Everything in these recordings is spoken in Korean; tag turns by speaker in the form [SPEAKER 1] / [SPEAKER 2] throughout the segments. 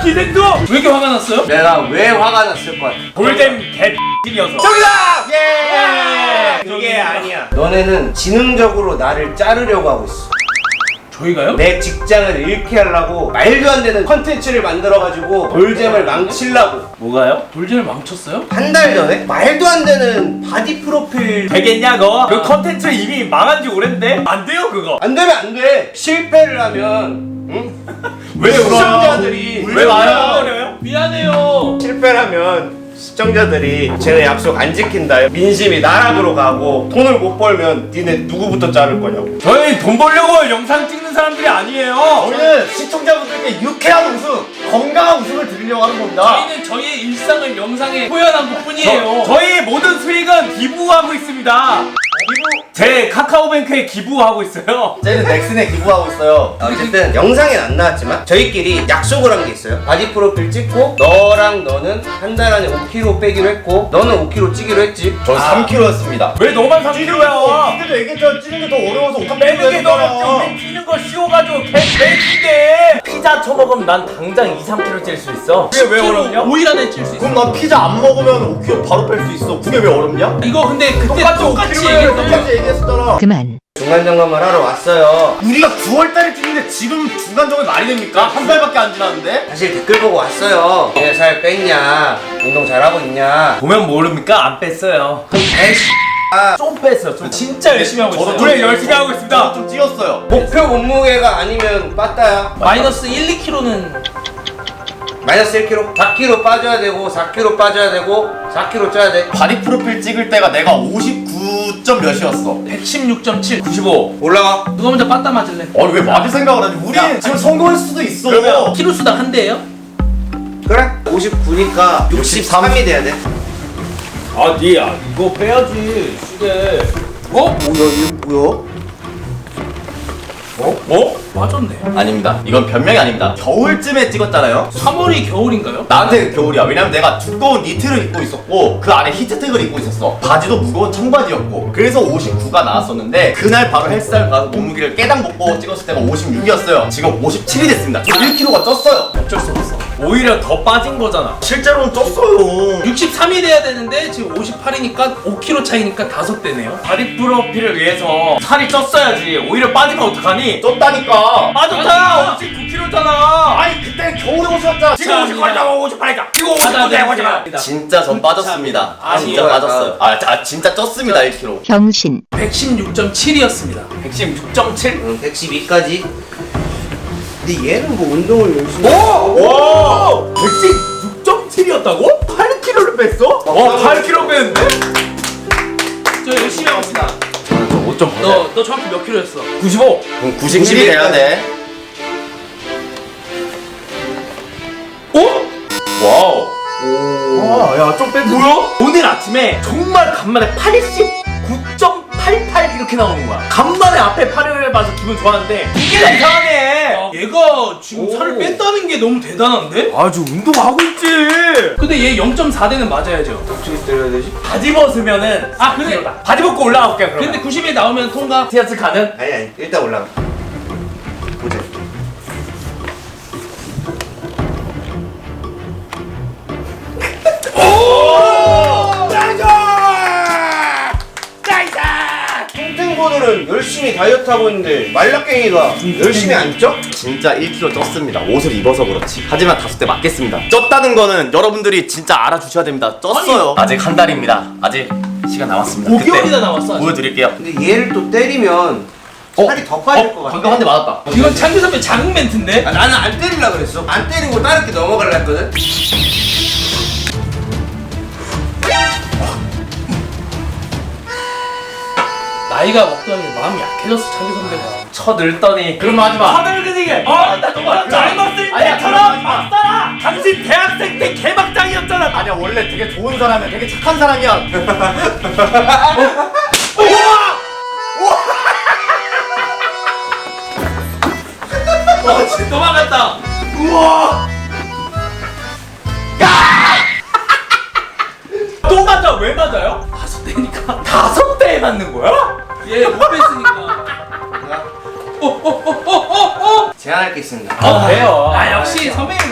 [SPEAKER 1] 기생도 왜 이렇게 화가 났어요?
[SPEAKER 2] 내가 왜 화가 났을 것 같아?
[SPEAKER 1] 골렘 개X이어서.
[SPEAKER 2] 정답! 예! 그게 아니야. 너네는 지능적으로 나를 자르려고 하고 있어.
[SPEAKER 1] 저희가요?
[SPEAKER 2] 내 직장을 잃게 하려고 말도 안 되는 컨텐츠를 만들어가지고 돌잼을 망치려고.
[SPEAKER 1] 뭐가요? 돌진을 망쳤어요?
[SPEAKER 2] 한 달 전에 말도 안 되는 바디 프로필.
[SPEAKER 1] 되겠냐고? 그 컨텐츠 이미 망한 지 오랜데? 안 돼요 그거.
[SPEAKER 2] 안 되면 안 돼. 실패를 하면 응?
[SPEAKER 1] 왜
[SPEAKER 2] 시청자들이
[SPEAKER 1] 왜 말아요? 미안해요.
[SPEAKER 2] 실패를 하면 시청자들이 쟤네 약속 안 지킨다. 민심이 나락으로 가고 돈을 못 벌면 니네 누구부터 자를 거냐고.
[SPEAKER 1] 저희 돈 벌려고 영상 찍는 사람들이 아니에요.
[SPEAKER 3] 저희는 시청자분들께 유쾌한 웃음, 건강한 웃음을 드리려고 하는 겁니다.
[SPEAKER 4] 저희는 저희의 일상을 영상에 표현한 것뿐이에요.
[SPEAKER 1] 저희 모든 수익은 기부하고 있습니다. 제 카카오뱅크에 기부하고 있어요.
[SPEAKER 3] 저희는 넥슨에 기부하고 있어요.
[SPEAKER 2] 어쨌든 영상엔 안 나왔지만 저희끼리 약속을 한 게 있어요. 바디 프로필 찍고 너랑 너는 한 달 안에 5kg 빼기로 했고 너는 5kg 찌기로 했지.
[SPEAKER 3] 저 3kg였습니다.
[SPEAKER 1] 왜 너만 3kg야?
[SPEAKER 3] 그때도 얘기했잖아. 찌는 게 더 어려워서 옷
[SPEAKER 1] 빼는 게 너무 우리 찌는 거 쉬워가지고 개인데 피자 처먹으면 난 당장 2, 3kg 찔 수 있어. 그게 왜 어렵냐?
[SPEAKER 4] 5일 안에 찔 수 있어.
[SPEAKER 3] 그럼 난 피자 안 먹으면 5kg 바로 뺄 수 있어. 그게 왜 어렵냐?
[SPEAKER 4] 이거 근데 그때
[SPEAKER 1] 똑같이
[SPEAKER 4] 똑같이
[SPEAKER 1] 5kg 예요.
[SPEAKER 4] 얘기했던 거.
[SPEAKER 3] 똑같이 얘기했었잖아.
[SPEAKER 5] 그만.
[SPEAKER 2] 중간 점검을 하러 왔어요.
[SPEAKER 3] 우리가 9월달에 찌는데 지금 중간점이 말이 됩니까? 한 달밖에 안 지났는데?
[SPEAKER 2] 사실 댓글 보고 왔어요. 왜 살 뺐냐? 운동 잘하고 있냐?
[SPEAKER 1] 보면 모릅니까? 안 뺐어요. 좀 뺐어요. 좀.
[SPEAKER 4] 진짜 열심히 하고 있어요.
[SPEAKER 1] 그래 열심히 하고 있습니다.
[SPEAKER 3] 좀 찌었어요.
[SPEAKER 2] 목표 몸무게가 아니면 빠따야.
[SPEAKER 4] 마이너스 1, 2kg는
[SPEAKER 2] 마이너스 1kg, 4kg 빠져야 되고 4kg 빠져야 되고 4kg 쪄야 돼.
[SPEAKER 3] 바디 프로필 찍을 때가 내가 59점 몇이었어.
[SPEAKER 4] 116.7.
[SPEAKER 1] 95.
[SPEAKER 2] 올라가.
[SPEAKER 4] 누가 먼저 빠따 맞을래?
[SPEAKER 3] 아니 왜 맞을 생각을 하지? 우리 지금 성공할 수도 있어.
[SPEAKER 1] 그러면
[SPEAKER 4] 키로 수당 한 대예요?
[SPEAKER 2] 그래? 59니까 63이 돼야 돼.
[SPEAKER 1] 아 니야 이거 빼야지 시계.
[SPEAKER 4] 어?
[SPEAKER 2] 이거 뭐야?
[SPEAKER 1] 어?
[SPEAKER 4] 맞았네.
[SPEAKER 3] 아닙니다. 이건 변명이 아닙니다. 겨울쯤에 찍었잖아요.
[SPEAKER 4] 3월이 겨울인가요?
[SPEAKER 3] 나한테 겨울이야. 왜냐면 내가 두꺼운 니트를 입고 있었고 그 안에 히트텍을 입고 있었어. 바지도 무거운 청바지였고 그래서 59가 나왔었는데 그날 바로 헬스장 가서 몸무게를 깨당 먹고 찍었을 때가 56이었어요. 지금 57이 됐습니다. 저 1kg가 쪘어요.
[SPEAKER 4] 어쩔 수 없어.
[SPEAKER 1] 오히려 더 빠진 거잖아.
[SPEAKER 3] 실제로는 쪘어요.
[SPEAKER 4] 63이 돼야 되는데 지금 58이니까 5kg 차이니까 5대네요.
[SPEAKER 1] 바디 프로필을 위해서 살이 쪘어야지. 오히려 빠지면 어떡하니?
[SPEAKER 3] 쪘다니까.
[SPEAKER 1] 빠졌잖아. 59kg잖아.
[SPEAKER 3] 아니 그때 겨울에 오셨잖아.
[SPEAKER 1] 지금 58자 58자. 지금 59자.
[SPEAKER 3] 진짜 전 빠졌습니다. 진짜
[SPEAKER 2] 아니요.
[SPEAKER 3] 빠졌어요. 진짜 쪘습니다 1kg.
[SPEAKER 5] 병신.
[SPEAKER 4] 116.7이었습니다.
[SPEAKER 1] 116.7.
[SPEAKER 2] 응, 112까지. 근데 얘는 뭐 운동을 열심히.
[SPEAKER 1] 와! 116.7이었다고? 8kg를 뺐어? 와 8kg 뺐는데?
[SPEAKER 4] 저 열심히 하고 있습니다.
[SPEAKER 1] 저옷좀
[SPEAKER 4] 너 정확히 몇 킬로였어?
[SPEAKER 1] 95.
[SPEAKER 3] 그럼 90이 돼야 돼.
[SPEAKER 1] 어? 와우.
[SPEAKER 3] 야좀 뺐지.
[SPEAKER 1] 뭐야? 오늘 아침에 정말 간만에 89.88 이렇게 나오는 거야. 간만에 앞에 8을 봐서 기분 좋았는데 이게 다 이상하네.
[SPEAKER 4] 얘가 지금 살을 뺐다는 게 너무 대단한데?
[SPEAKER 1] 아주 운동하고 있지.
[SPEAKER 4] 근데 얘 0.4대는 맞아야죠.
[SPEAKER 2] 어떻게 때려야 되지?
[SPEAKER 1] 바지 벗으면은
[SPEAKER 4] 아, 그래?
[SPEAKER 1] 바지 벗고 올라가 볼게 그러면.
[SPEAKER 4] 근데 90에 나오면 통과.
[SPEAKER 1] 티아스 가는?
[SPEAKER 2] 아니 일단 올라가. 보자. 탱탱보들은 열심히 다이어트 하고 있는데 말라깽이가 열심히 안 쪄?
[SPEAKER 3] 진짜 1kg 쪘습니다. 옷을 입어서 그렇지. 하지만 5대 맞겠습니다. 쪘다는 거는 여러분들이 진짜 알아주셔야 됩니다. 쪘어요. 아직 한 달입니다. 아직 시간 남았습니다.
[SPEAKER 4] 5개월이나
[SPEAKER 3] 그때
[SPEAKER 4] 남았어. 아직.
[SPEAKER 3] 보여드릴게요.
[SPEAKER 2] 근데 얘를 또 때리면 살이 더 빠질 것 같아.
[SPEAKER 3] 방금 한 대 맞았다.
[SPEAKER 4] 이건 창규 선배 자극 멘트인데?
[SPEAKER 2] 아, 나는 안 때리려고 그랬어. 안 때리고 다른 게 넘어가려 했거든.
[SPEAKER 4] 나이가 먹더니 마음이 약해졌어, 창규 선배가.
[SPEAKER 1] 쳐늙더니
[SPEAKER 3] 그런 말 하지 마.
[SPEAKER 1] 쳐늙으니까 나 정말 젊었을
[SPEAKER 3] 아니야,
[SPEAKER 1] 때처럼 막 살아. 당신 대학생 때 개막장이었잖아.
[SPEAKER 3] 아니야 원래 되게 좋은 사람이야. 되게 착한 사람이야.
[SPEAKER 4] 진짜 도망갔다.
[SPEAKER 1] 우와. 또 맞아. 왜 맞아요?
[SPEAKER 4] 5대니까.
[SPEAKER 1] 5대에 맞는 거야?
[SPEAKER 4] 얘 못 뺐으니까.
[SPEAKER 2] 제안할 게 있습니다.
[SPEAKER 1] 아, 그래요.
[SPEAKER 4] 아, 역시 선배님 착해.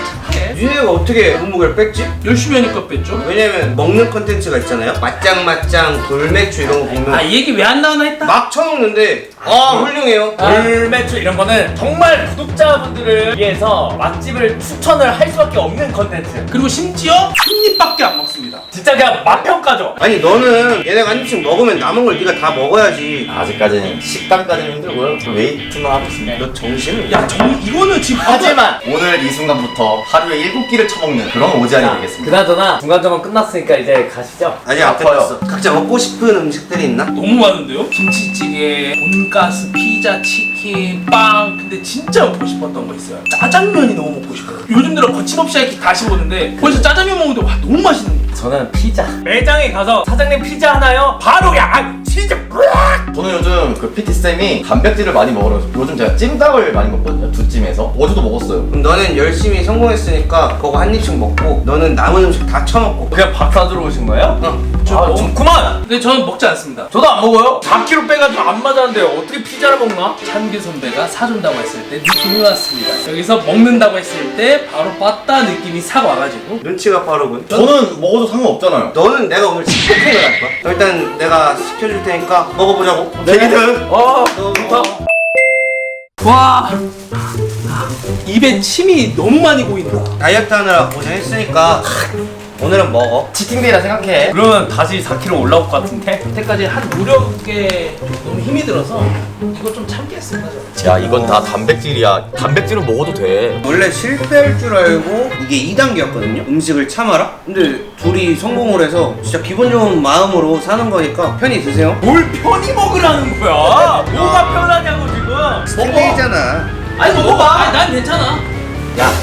[SPEAKER 4] 뺐네.
[SPEAKER 2] 니네가 어떻게 몸무게를 뺐지?
[SPEAKER 4] 열심히 하니까 뺐죠.
[SPEAKER 2] 왜냐면 먹는 컨텐츠가 있잖아요. 맛짱맛짱, 돌매추 이런 거 보면
[SPEAKER 4] 아, 이 얘기 왜 안 나오나 했다.
[SPEAKER 2] 막 쳐먹는데 훌륭해요.
[SPEAKER 1] 돌매추 이런 거는 정말 구독자분들을 위해서 맛집을 추천을 할 수밖에 없는 컨텐츠.
[SPEAKER 4] 그리고 심지어 한 입밖에 안 먹습니다.
[SPEAKER 1] 진짜 그냥 맛평가죠.
[SPEAKER 2] 아니 너는 얘네가 한 입씩 먹으면 남은 걸 네가 다 먹어야지.
[SPEAKER 3] 아직까지는 식단까지는 힘들고요. 웨이트만 하고 있습니다.
[SPEAKER 2] 너 정신을
[SPEAKER 4] 야, 이거는 지금
[SPEAKER 3] 하지만 오늘 이 순간부터 하루에 7끼를 처먹는 그런 오지안이 되겠습니다.
[SPEAKER 1] 그나저나 중간점은 끝났으니까 이제 가시죠.
[SPEAKER 2] 아직 안
[SPEAKER 3] 아파요.
[SPEAKER 2] 끝났어. 각자 먹고 싶은 음식들이 있나?
[SPEAKER 4] 너무 많은데요? 김치찌개, 돈가스, 피자, 치킨, 빵. 근데 진짜 먹고 싶었던 거 있어요. 짜장면이 너무 먹고 싶어요. 요즘 들어 거침없이 이렇게 다시 보는데 벌써 짜장면 먹는데 와 너무 맛있는 거예요.
[SPEAKER 1] 저는 피자. 매장에 가서 사장님 피자 하나요? 바로 그냥 치즈 뿌락!
[SPEAKER 3] 저는 요즘 그 PT쌤이 단백질을 많이 먹으라고 요즘 제가 찜닭을 많이 먹거든요. 두 찜에서. 어제도 먹었어요.
[SPEAKER 2] 그럼 너는 열심히 성공했으니까 그거 한 입씩 먹고 너는 남은 음식 다 처먹고.
[SPEAKER 1] 그냥 밥 사주러 오신 거예요? 아, 좋구만!
[SPEAKER 4] 근데 저는 먹지 않습니다.
[SPEAKER 1] 저도 안 먹어요. 4kg 빼가지고 안 맞았는데 어떻게 피자를 먹나?
[SPEAKER 4] 찬규 선배가 사준다고 했을 때 느낌이 왔습니다. 여기서 먹는다고 했을 때 바로 빠따 느낌이 싹 와가지고
[SPEAKER 2] 눈치가 빠르군.
[SPEAKER 3] 저는 먹어도 상관없잖아요.
[SPEAKER 2] 너는 내가 오늘 식폭행을 할 거야. 일단 내가 시켜줄 테니까 먹어보자고.
[SPEAKER 3] 걔기든
[SPEAKER 2] 너
[SPEAKER 1] 좋다.
[SPEAKER 4] 와 입에 침이 너무 많이 고인다.
[SPEAKER 2] 다이어트 하느라 고생했으니까 오늘은 먹어.
[SPEAKER 3] 치팅데이라 생각해.
[SPEAKER 1] 그러면 다시 4kg 올라올 것 같은데?
[SPEAKER 4] 여태까지 한 노력에 너무 힘이 들어서 이거 좀 참겠습니다.
[SPEAKER 3] 야 이건 다 단백질이야. 단백질은 먹어도 돼.
[SPEAKER 2] 원래 실패할 줄 알고 이게 2단계였거든요. 음식을 참아라. 근데 둘이 성공을 해서 진짜 기분 좋은 마음으로 사는 거니까 편히 드세요.
[SPEAKER 1] 뭘 편히 먹으라는 거야? 뭐가 편하냐고 지금?
[SPEAKER 2] 스테이잖아.
[SPEAKER 1] 아니 먹어봐.
[SPEAKER 4] 아니 난 괜찮아.
[SPEAKER 1] 야.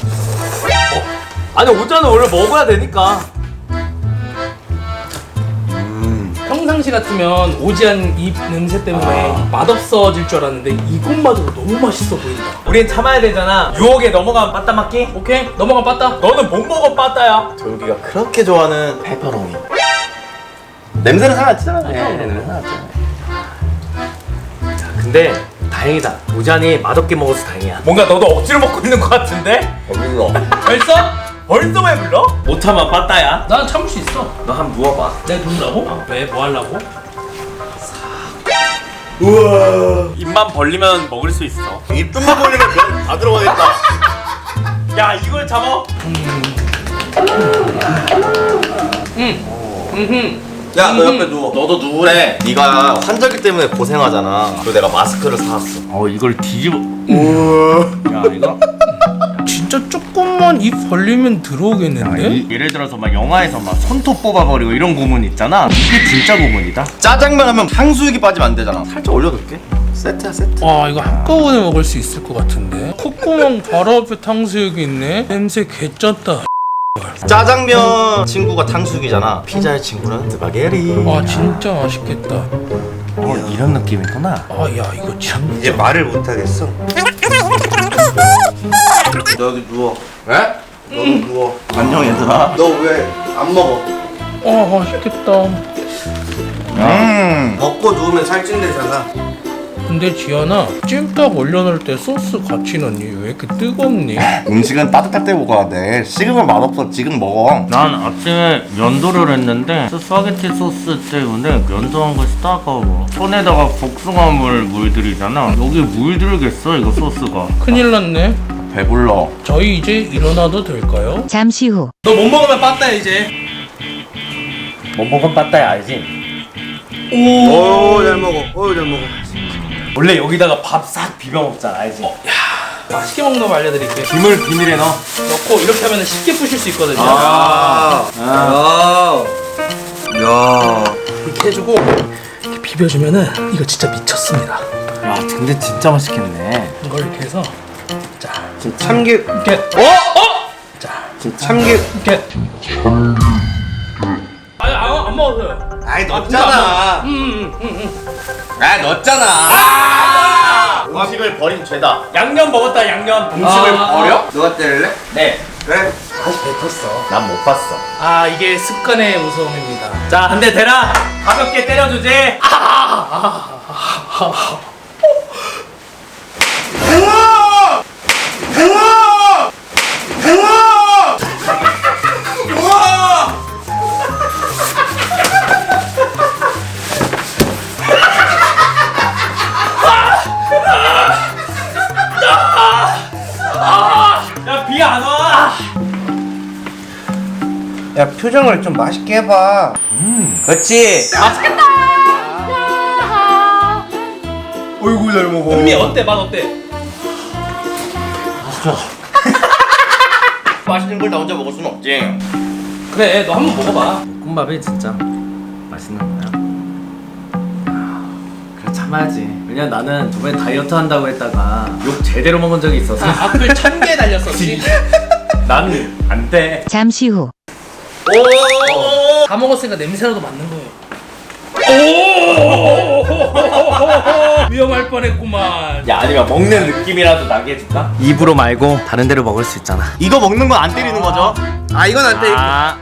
[SPEAKER 1] 아니 오자는 원래 먹어야 되니까.
[SPEAKER 4] 평상시 같으면 오지한 입 냄새 때문에 맛없어질 줄 알았는데 이것마저도 너무 맛있어 보인다.
[SPEAKER 1] 우린 참아야 되잖아. 유혹에 넘어가면 빠따 맞기?
[SPEAKER 4] 오케이 넘어가 빠따.
[SPEAKER 1] 너는 못 먹어 빠따야.
[SPEAKER 3] 조유기가 그렇게 좋아하는 페퍼로니. 냄새는 상관없잖아. 냄새는 상관없잖아.
[SPEAKER 1] 근데 다행이다. 오잔이 맛없게 먹어서 다행이야. 뭔가 너도 억지로 먹고 있는 것 같은데?
[SPEAKER 3] 배불러.
[SPEAKER 4] 벌써?
[SPEAKER 1] 벌써 왜 불러? 못 참아 빠따야.
[SPEAKER 4] 난 참을 수 있어.
[SPEAKER 1] 너 한번 누워봐.
[SPEAKER 4] 내가 누르라고? 왜? 뭐 하려고?
[SPEAKER 1] 우와. 입만 벌리면 먹을 수 있어.
[SPEAKER 3] 입좀만 벌리면 면 다 들어가겠다.
[SPEAKER 1] 야 이걸 잡아?
[SPEAKER 2] 야, 너 옆에 누워.
[SPEAKER 3] 너도 누구래? 네가 환절기 때문에 고생하잖아. 그리고 내가 마스크를 사왔어.
[SPEAKER 1] 이걸 뒤집어. 야 이거.
[SPEAKER 4] 진짜 조금만 입 벌리면 들어오겠는데?
[SPEAKER 1] 예를 들어서 막 영화에서 막 손톱 뽑아버리고 이런 고문 있잖아. 이게 진짜 고문이다.
[SPEAKER 3] 짜장면 하면 탕수육이 빠지면 안 되잖아. 살짝 올려둘게. 세트야 세트.
[SPEAKER 4] 와 이거 한꺼번에 먹을 수 있을 것 같은데? 콧구멍 바로 앞에 탕수육이 있네? 냄새 개쩐다.
[SPEAKER 3] 짜장면 친구가 탕수육이잖아. 피자의 친구는 스파게티.
[SPEAKER 4] 아 진짜 맛있겠다.
[SPEAKER 1] 이런 느낌이구나.
[SPEAKER 4] 아 야 이거 참.
[SPEAKER 2] 이제 말을 못 하겠어. 너 여기 누워.
[SPEAKER 3] 왜?
[SPEAKER 2] 너도 누워.
[SPEAKER 3] 안녕 얘들아.
[SPEAKER 2] 너 왜 안 먹어?
[SPEAKER 4] 아 맛있겠다.
[SPEAKER 2] 먹고 누우면 살찐대잖아.
[SPEAKER 4] 근데 지연아 찜닭 올려놓을 때 소스 같이 넣니? 왜 이렇게 뜨겁니?
[SPEAKER 3] 음식은 따뜻할 때 먹어야 돼. 식으면 맛없어. 지금 먹어.
[SPEAKER 1] 난 아침에 면도를 했는데 스파게티 소스 때문에 면도한 것이 따가워. 손에다가 복숭아물 물들이잖아. 여기 물들겠어 이거 소스가.
[SPEAKER 4] 큰일 났네.
[SPEAKER 3] 배불러.
[SPEAKER 4] 저희 이제 일어나도 될까요?
[SPEAKER 5] 잠시 후.
[SPEAKER 4] 너 못 먹으면 빠따 이제.
[SPEAKER 1] 못 먹은 빠따야 알지?
[SPEAKER 2] 오, 잘 먹어. 잘 먹어.
[SPEAKER 1] 원래 여기다가 밥 싹 비벼 먹잖아 알지?
[SPEAKER 4] 맛있게 먹는 법 알려드릴게요.
[SPEAKER 1] 김을 비닐에 넣어.
[SPEAKER 4] 넣고 이렇게 하면 쉽게 부실 수 있거든요.
[SPEAKER 2] 야.
[SPEAKER 4] 이렇게 해주고 이렇게 비벼주면은 이거 진짜 미쳤습니다.
[SPEAKER 1] 야 근데 진짜 맛있겠네.
[SPEAKER 4] 이걸 이렇게 해서 자
[SPEAKER 2] 지금 참기.
[SPEAKER 4] 이렇게 자
[SPEAKER 2] 지금 참기.
[SPEAKER 4] 이렇게 아니 안 먹었어요.
[SPEAKER 2] 아이 넣었잖아. 아 넣었잖아.
[SPEAKER 3] 음식을 버린 죄다.
[SPEAKER 1] 양념 먹었다 양념. 음식을 버려?
[SPEAKER 2] 너가 때릴래?
[SPEAKER 1] 네.
[SPEAKER 2] 그래.
[SPEAKER 1] 다시 뱉었어.
[SPEAKER 3] 난 못 봤어.
[SPEAKER 4] 아 이게 습관의 무서움입니다.
[SPEAKER 1] 자 한 대 대라. 가볍게 때려주지.
[SPEAKER 2] 팽아! 팽아! 팽아! 자, 표정을 좀 맛있게 해봐. 그렇지.
[SPEAKER 3] 어이구 잘 먹어.
[SPEAKER 4] 은미 어때? 맛 어때?
[SPEAKER 3] 맛있는 걸 나 혼자 먹을 수는 없지.
[SPEAKER 4] 그래 너 한번 먹어봐.
[SPEAKER 1] 볶음밥이 진짜 맛있는 거야. 그래 참아야지. 왜냐면 나는 저번에 다이어트 한다고 했다가 욕 제대로 먹은 적이 있어서
[SPEAKER 4] 악플 1000개 달렸었지.
[SPEAKER 1] 나는 안 돼.
[SPEAKER 5] 잠시 후.
[SPEAKER 4] 다 먹었으니까 냄새라도 맡는 거예요. 위험할 뻔했구만.
[SPEAKER 1] 야 아니면 먹는 느낌이라도 나게 해줄까? 입으로 말고 다른 데로 먹을 수 있잖아.
[SPEAKER 3] 이거 먹는 건 안 때리는 거죠?
[SPEAKER 2] 아, 이건 안 돼.
[SPEAKER 1] 아,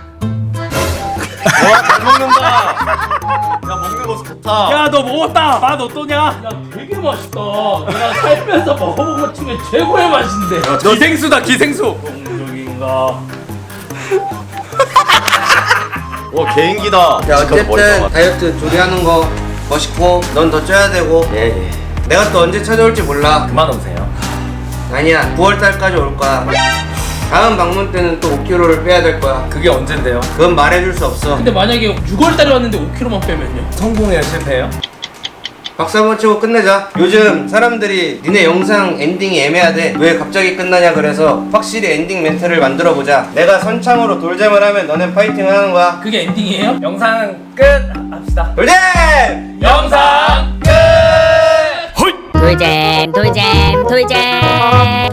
[SPEAKER 3] 와 잘 먹는다. 야 먹는 거 좋다.
[SPEAKER 1] 야 너 먹었다. 맛 어떠냐?
[SPEAKER 4] 야 되게 맛있다. 내가 살면서 먹어본 것 중에 최고의 맛인데.
[SPEAKER 1] 기생수다 기생수.
[SPEAKER 4] 정적인가?
[SPEAKER 3] 와 개인기다.
[SPEAKER 2] 야, 어쨌든 다이어트 조리하는 거 멋있고 넌 더 쪄야 되고
[SPEAKER 1] 예예.
[SPEAKER 2] 내가 또 언제 찾아올지 몰라.
[SPEAKER 1] 그만 오세요.
[SPEAKER 2] 아니야, 9월달까지 올 거야. 다음 방문 때는 또 5kg를 빼야 될 거야.
[SPEAKER 1] 그게 언젠데요?
[SPEAKER 2] 그건 말해줄 수 없어.
[SPEAKER 4] 근데 만약에 6월달에 왔는데 5kg만 빼면요?
[SPEAKER 1] 성공해요 실패해요?
[SPEAKER 2] 박수 한번 치고 끝내자. 요즘 사람들이 니네 영상 엔딩이 애매하대. 왜 갑자기 끝나냐 그래서 확실히 엔딩 멘트를 만들어 보자. 내가 선창으로 돌잼을 하면 너넨 파이팅 하는 거야.
[SPEAKER 4] 그게 엔딩이에요?
[SPEAKER 1] 영상 끝 합시다.
[SPEAKER 2] 돌잼!
[SPEAKER 4] 영상 끝!
[SPEAKER 5] 돌잼 돌잼 돌잼